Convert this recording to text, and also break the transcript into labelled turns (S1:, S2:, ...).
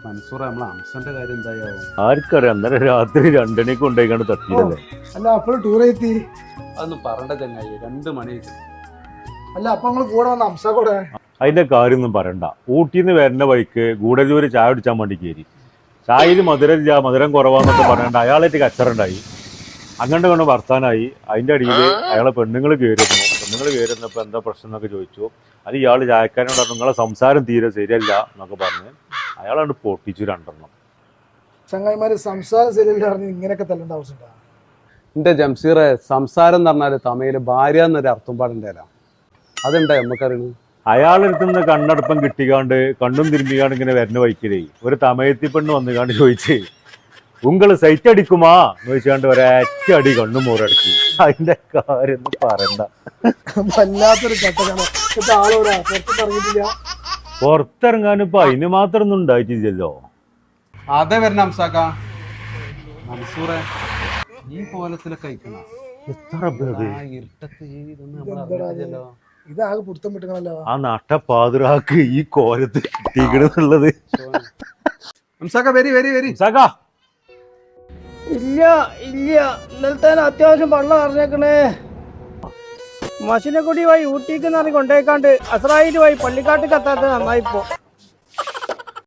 S1: മൻസൂർ നമ്മളെ അംസന്റെ കാര്യം എന്തായാവും?
S2: ആർക്കറിയാം, അന്നേരം രാത്രി 2 മണിക്ക് കൊണ്ടുപോയിക്കാണ്ട് തട്ടിയതല്ലേ.
S3: അല്ല അപ്പോൾ ടൂർ എത്തി.
S1: അതൊന്നും പറയണ്ട ചങ്ങായി, 2 മണി.
S3: അല്ല അപ്പൊ നിങ്ങൾ കൂടെ വന്ന അംസ കൂടെ
S2: അതിന്റെ കാര്യമൊന്നും പറയണ്ട. ഊട്ടിന്ന് വരുന്ന വഴിക്ക് ഗൂഡല്ലൂര് ചായ കുടിച്ചാൻ വേണ്ടി കയറി. ചായയിൽ മധുരം കുറവാന്നൊക്കെ പറയണ്ട. അയാളായിട്ട് കച്ചറുണ്ടായി, അങ്ങോട്ട് കൊണ്ട് വർത്താനായി. അതിന്റെ അടിയിൽ അയാളെ പെണ്ണുങ്ങൾ കയറുന്നപ്പോൾ എന്താ പ്രശ്നം എന്നൊക്കെ ചോദിച്ചു. അത് ഇയാൾ ചായക്കാരനോട് പറഞ്ഞു, നിങ്ങളെ സംസാരം തീരെ ശരിയല്ല എന്നൊക്കെ പറഞ്ഞ് അയാളാണ്ട് പൊട്ടിച്ചു 2
S3: ചങ്ങായിമാര് സംസാരം ശരിയല്ല പറഞ്ഞ് ഇങ്ങനെയൊക്കെ തല്ലേണ്ട ആവശ്യമുണ്ടോ?
S1: എന്റെ ജംസീറെ, സംസാരം എന്ന് പറഞ്ഞാല് തമിഴില് ഭാര്യ എന്നൊരു അർത്ഥം പാടുണ്ടല്ലോ, അതുണ്ടായി നമുക്കറിയണു.
S2: അയാളെടുത്തുനിന്ന് കണ്ണടപ്പം കിട്ടിക്കാണ്ട് കണ്ണും തിരുമ്പിക്കാണ്ട് ഇങ്ങനെ വരുന്ന വൈക്കലേ ഒരു തമയത്തി പെണ്ണ് വന്നുകാണ്ട് ചോദിച്ചേ, ഉങ്ങള് സൈറ്റ് അടിക്കുമാ എന്ന് ചോദിച്ചാണ്ട് ഒരൊറ്റ അടി കണ്ണും മോറടക്കി. അതിന്റെ കാര്യം ഒന്നും പറയണ്ട.
S3: വല്ലാത്തൊരു ഘട്ടമാണ്. ഇപ്പൊ ആളോടാ പുറത്ത് പറഞ്ഞിട്ടില്ല.
S2: പുറത്തിറങ്ങാനും ഇപ്പൊ അതിന് മാത്രം ഒന്നും ഉണ്ടായിട്ടില്ലല്ലോ.
S1: അതെ വരണ അംസാക്ക. മൻസൂറെ, ഈ കോലത്തിലൊക്കെ അയക്കണ
S2: എത്ര പേര്
S1: ഇരുട്ടത്ത് ഇതൊന്നും നമ്മൾ അറിഞ്ഞിട്ടില്ലല്ലോ.
S3: ഇതാകെ പുടുത്തം വിട്ടുകളല്ലോ.
S2: ആ നട്ടപ്പാതിരാക്ക് ഈ കോലത്ത് കിട്ടിക്കണെന്നുള്ളത്.
S1: അംസാക്ക വരി വരി വരി.
S4: ഇല്ല ഇന്നലത്തെ അത്യാവശ്യം വെള്ളം അറിഞ്ഞേക്കണേ. മസിനക്കുടി വഴി ഊട്ടിക്ക് നിറങ്ങി കൊണ്ടേക്കാണ്ട് അസറായിട്ട് വഴി പള്ളിക്കാട്ടിക്ക് എത്താത്ത നന്നായിപ്പോ.